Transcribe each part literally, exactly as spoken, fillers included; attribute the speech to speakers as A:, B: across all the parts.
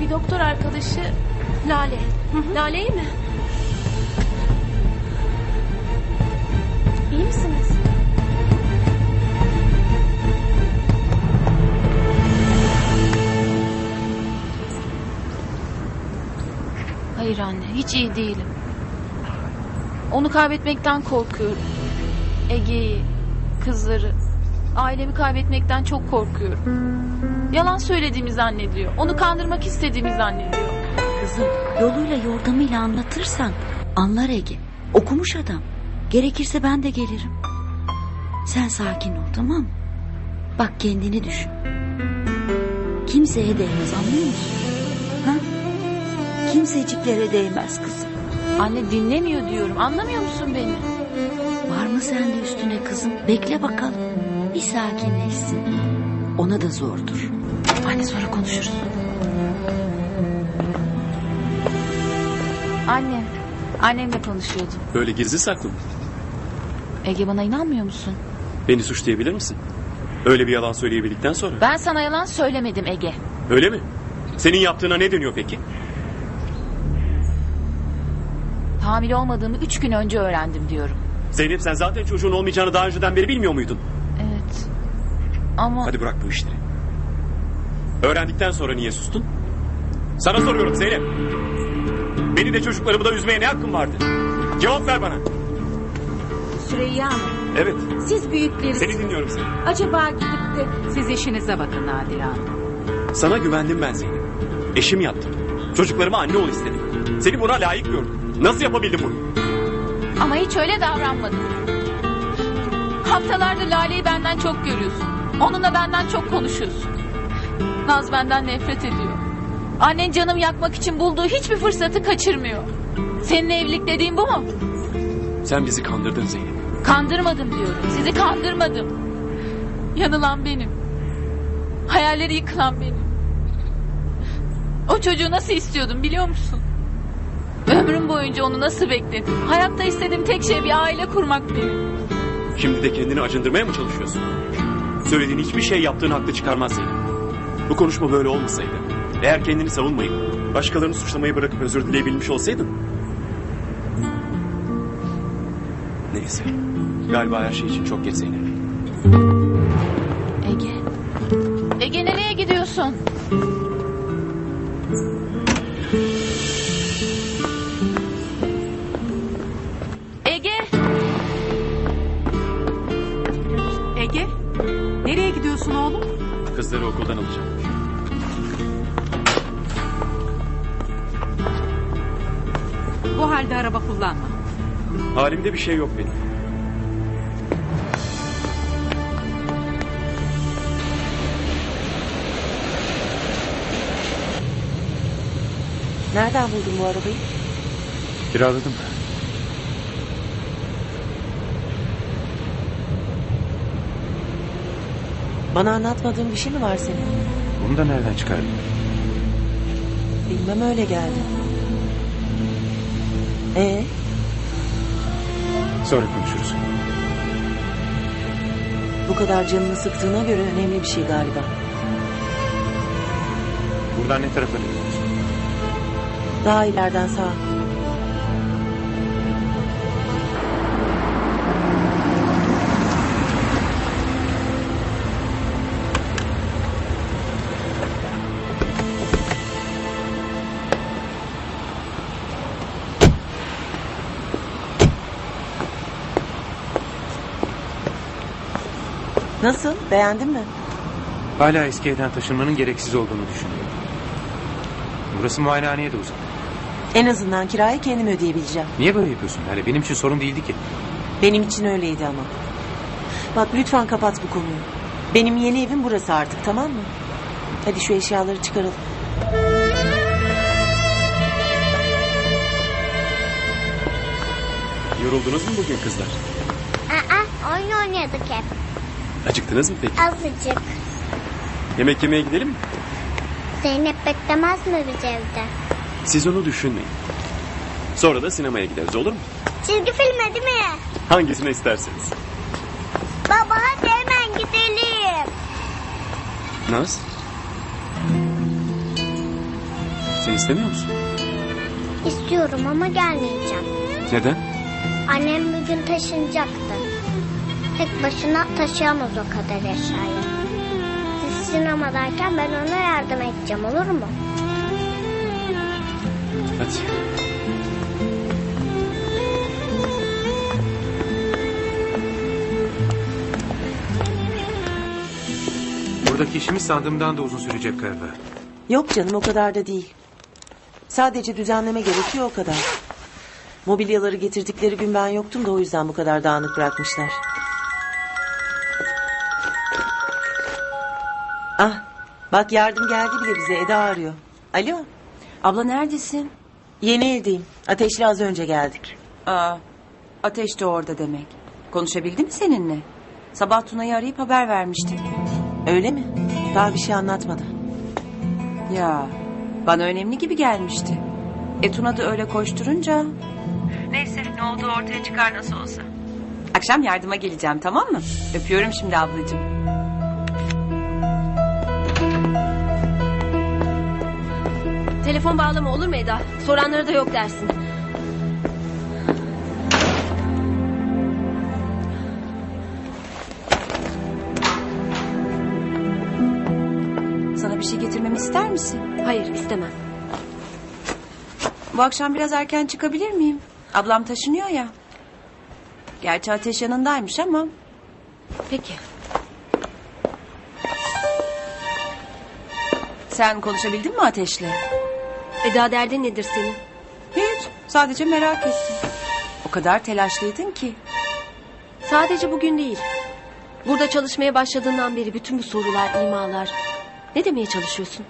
A: bir doktor arkadaşı Lale. Hı hı. Lale iyi mi? İyi misiniz?
B: Hayır anne, hiç iyi değilim. Onu kaybetmekten korkuyorum. Ege'yi, kızları, ailemi kaybetmekten çok korkuyorum. Yalan söylediğimi zannediyor. Onu kandırmak istediğimi zannediyor.
C: Kızım, yoluyla yordamıyla anlatırsan anlar Ege. Okumuş adam. Gerekirse ben de gelirim. Sen sakin ol, tamam mı? Bak, kendini düşün. Kimseye değmez, anlıyor musun? Ha? Kimseciklere değmez kızım.
B: Anne dinlemiyor diyorum. Anlamıyor musun beni?
C: Var mı sende üstüne kızım? Bekle bakalım. Bir sakinleşsin. Ona da zordur.
B: Anne sonra konuşuruz. Anne, annemle konuşuyordum.
D: Böyle gizli saklı mı?
B: Ege, bana inanmıyor musun?
D: Beni suçlayabilir misin? Öyle bir yalan söyleyebildikten sonra.
B: Ben sana yalan söylemedim Ege.
D: Öyle mi? Senin yaptığına ne deniyor peki?
B: Hamile olmadığımı üç gün önce öğrendim diyorum.
D: Zeynep, sen zaten çocuğun olmayacağını daha önceden beri bilmiyor muydun?
B: Evet. Ama...
D: Hadi bırak bu işleri. Öğrendikten sonra niye sustun? Sana soruyorum Zeynep. Beni de çocuklarımı da üzmeye ne hakkın vardı? Cevap ver bana.
E: Süreyya Hanım,
D: Evet.
E: siz büyükleri...
D: Seni dinliyorum seni.
E: Acaba gidip de siz işinize bakın Nadire Hanım.
D: Sana güvendim ben Zeynep. Eşim yaptım. Çocuklarıma anne ol istedim. Seni buna layık gördüm. Nasıl yapabildim bunu?
B: Ama hiç öyle davranmadın. Haftalardır Lale'yi benden çok görüyorsun. Onunla benden çok konuşuyorsun. Naz benden nefret ediyor. Annen canımı yakmak için bulduğu hiçbir fırsatı kaçırmıyor. Seninle evlilik dediğin bu mu?
D: Sen bizi kandırdın Zeynep.
B: Kandırmadım diyorum. Sizi kandırmadım. Yanılan benim. Hayalleri yıkılan benim. O çocuğu nasıl istiyordum biliyor musun? Ömrüm boyunca onu nasıl bekledim? Hayatta istediğim tek şey bir aile kurmak benim.
D: Şimdi de kendini acındırmaya mı çalışıyorsun? Söylediğin hiçbir şey yaptığın haklı çıkarmaz Zeynep. Bu konuşma böyle olmasaydı, eğer kendini savunmayıp başkalarını suçlamayı bırakıp özür dileyebilmiş olsaydın... Neyse. Galiba her şey için çok geç Zeynep.
B: Ege. Ege, nereye gidiyorsun? Ege.
E: Ege, nereye gidiyorsun oğlum?
D: Kızları okuldan alacağım.
E: Bu halde araba kullanma.
D: Halimde bir şey yok benim.
F: Nereden buldun bu arabayı?
D: Kiraladım.
F: Bana anlatmadığın bir şey mi var senin?
G: Bunu da nereden çıkardın?
F: Bilmem, öyle geldi. Ee,
G: Sonra konuşuruz.
F: bu kadar canını sıktığına göre önemli bir şey galiba.
G: Buradan ne tarafa gidiyorsun?
F: Daha ileriden sağa. Nasıl? Beğendin mi?
G: Hala eski evden taşınmanın gereksiz olduğunu düşünüyorum. Burası muayenehaneye de uzak.
F: En azından kirayı kendim ödeyebileceğim.
G: Niye böyle yapıyorsun? Yani benim için sorun değildi ki.
F: Benim için öyleydi ama. Bak, lütfen kapat bu konuyu. Benim yeni evim burası artık, tamam mı? Hadi şu eşyaları çıkaralım.
D: Yoruldunuz mu bugün kızlar?
H: Aa, oyun oynuyorduk hep.
D: Acıktınız mı peki?
H: Azıcık.
D: Yemek yemeye gidelim mi?
H: Zeynep beklemez mi biz evde?
D: Siz onu düşünmeyin. Sonra da sinemaya gideriz, olur mu?
H: Çizgi filme değil mi?
D: Hangisini isterseniz.
H: Baba hadi hemen gidelim.
D: Naz? Sen istemiyor musun?
H: İstiyorum ama gelmeyeceğim.
D: Neden?
H: Annem bugün taşınacaktı. Tek başına taşıyamaz o kadar eşyayı. Siz sinemadayken ben ona yardım edeceğim, olur mu?
D: Hadi.
G: Buradaki işimiz sandığımdan da uzun sürecek galiba.
F: Yok canım, o kadar da değil. Sadece düzenleme gerekiyor, o kadar. Mobilyaları getirdikleri gün ben yoktum da o yüzden bu kadar dağınık bırakmışlar. Ah, bak yardım geldi bile bize, Eda arıyor. Alo,
C: Abla neredesin?
F: yeni evdeyim. Ateşli az önce geldik.
C: Aa, Ateş de orada demek. Konuşabildi mi seninle? Sabah Tuna'yı arayıp haber vermişti.
F: Öyle mi? Daha bir şey anlatmadı.
C: Ya, bana önemli gibi gelmişti. E Tuna da öyle koşturunca... Neyse, ne olduğu ortaya çıkar nasıl olsa. Akşam yardıma geleceğim, tamam mı? Öpüyorum şimdi ablacığım.
A: Telefon bağlama olur mu Eda? Soranlara da yok dersin.
C: Sana bir şey getirmemi ister misin?
A: Hayır, istemem.
C: Bu akşam biraz erken çıkabilir miyim? Ablam taşınıyor ya. Gerçi Ateş yanındaymış ama...
A: Peki.
C: Sen konuşabildin mi Ateş'le?
A: Eda, derdin nedir senin?
C: Hiç. Sadece merak ettim. O kadar telaşlıydın ki.
A: Sadece bugün değil. Burada çalışmaya başladığından beri bütün bu sorular, imalar... Ne demeye çalışıyorsun?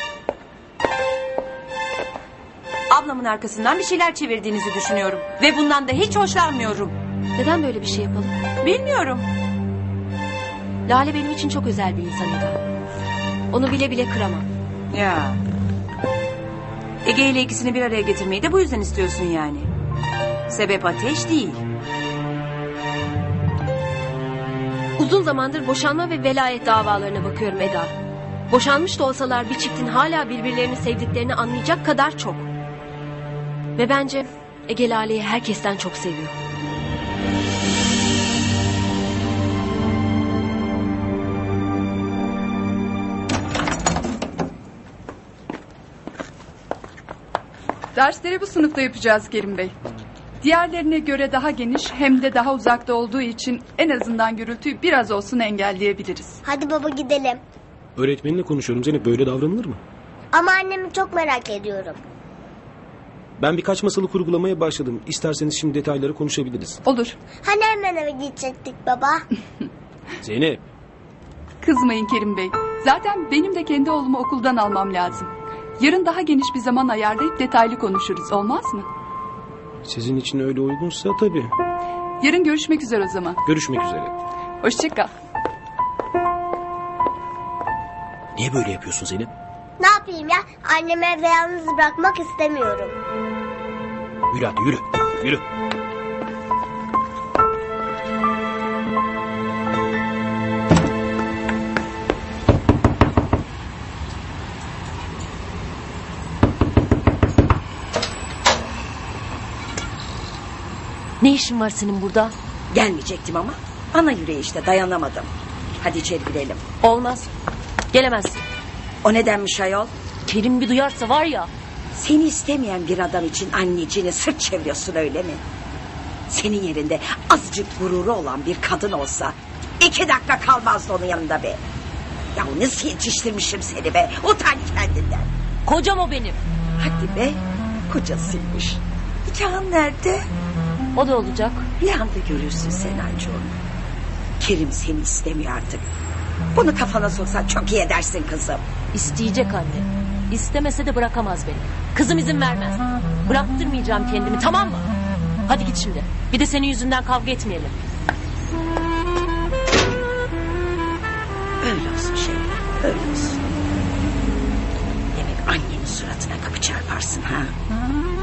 C: Ablamın arkasından bir şeyler çevirdiğinizi düşünüyorum. Ve bundan da hiç hoşlanmıyorum.
A: Neden böyle bir şey yapalım?
C: Bilmiyorum.
A: Lale benim için çok özel bir insan Eda. Onu bile bile kıramam.
C: Ya. Ege ile ikisini bir araya getirmeyi de bu yüzden istiyorsun yani. Sebep Ateş değil.
A: Uzun zamandır boşanma ve velayet davalarına bakıyorum Eda. Boşanmış da olsalar bir çiftin hala birbirlerini sevdiklerini anlayacak kadar çok. Ve bence Ege Lale'yi herkesten çok seviyor.
I: Dersleri bu sınıfta yapacağız Kerim Bey. Diğerlerine göre daha geniş hem de daha uzakta olduğu için en azından gürültüyü biraz olsun engelleyebiliriz.
H: Hadi baba gidelim.
J: Öğretmeninle konuşuyorum Zeynep, böyle davranılır mı?
H: Ama annemi çok merak ediyorum.
J: Ben birkaç masalı kurgulamaya başladım. İsterseniz şimdi detayları konuşabiliriz.
I: Olur.
H: Hani hemen eve gidecektik baba?
J: Zeynep,
I: Kızmayın Kerim Bey. Zaten benim de kendi oğlumu okuldan almam lazım. Yarın daha geniş bir zaman ayarlayıp detaylı konuşuruz, olmaz mı?
J: sizin için öyle uygunsa tabii.
I: Yarın görüşmek üzere o zaman.
J: Görüşmek üzere.
I: Hoşça kal.
J: Niye böyle yapıyorsun Zeynep?
H: Ne yapayım ya? Annemi evde yalnız bırakmak istemiyorum.
J: Yürü hadi yürü. Yürü.
A: Ne işin var senin burada?
C: Gelmeyecektim ama ana yüreği işte, dayanamadım. Hadi içeri girelim.
A: Olmaz. Gelemezsin.
C: O nedenmiş ayol?
A: Kerim bir duyarsa var ya.
C: Seni istemeyen bir adam için anneciğine sırt çeviriyorsun öyle mi? Senin yerinde azıcık gururu olan bir kadın olsa iki dakika kalmazdı onun yanında be. Ya nasıl yetiştirmişim seni be, utan kendinden.
A: Kocam o benim.
C: Hadi be, kocasıymış. Nikahın nerede?
A: O da olacak.
C: Bir anda görürsün sen anca onu. Kerim seni istemiyor artık. Bunu kafana soksan çok iyi edersin kızım.
A: İsteyecek anne. İstemese de bırakamaz beni. Kızım izin vermez. Bıraktırmayacağım kendimi, tamam mı? Hadi git şimdi. Bir de senin yüzünden kavga etmeyelim.
C: Öyle olsun şey, öyle olsun. Demek annenin suratına kapı çarparsın ha?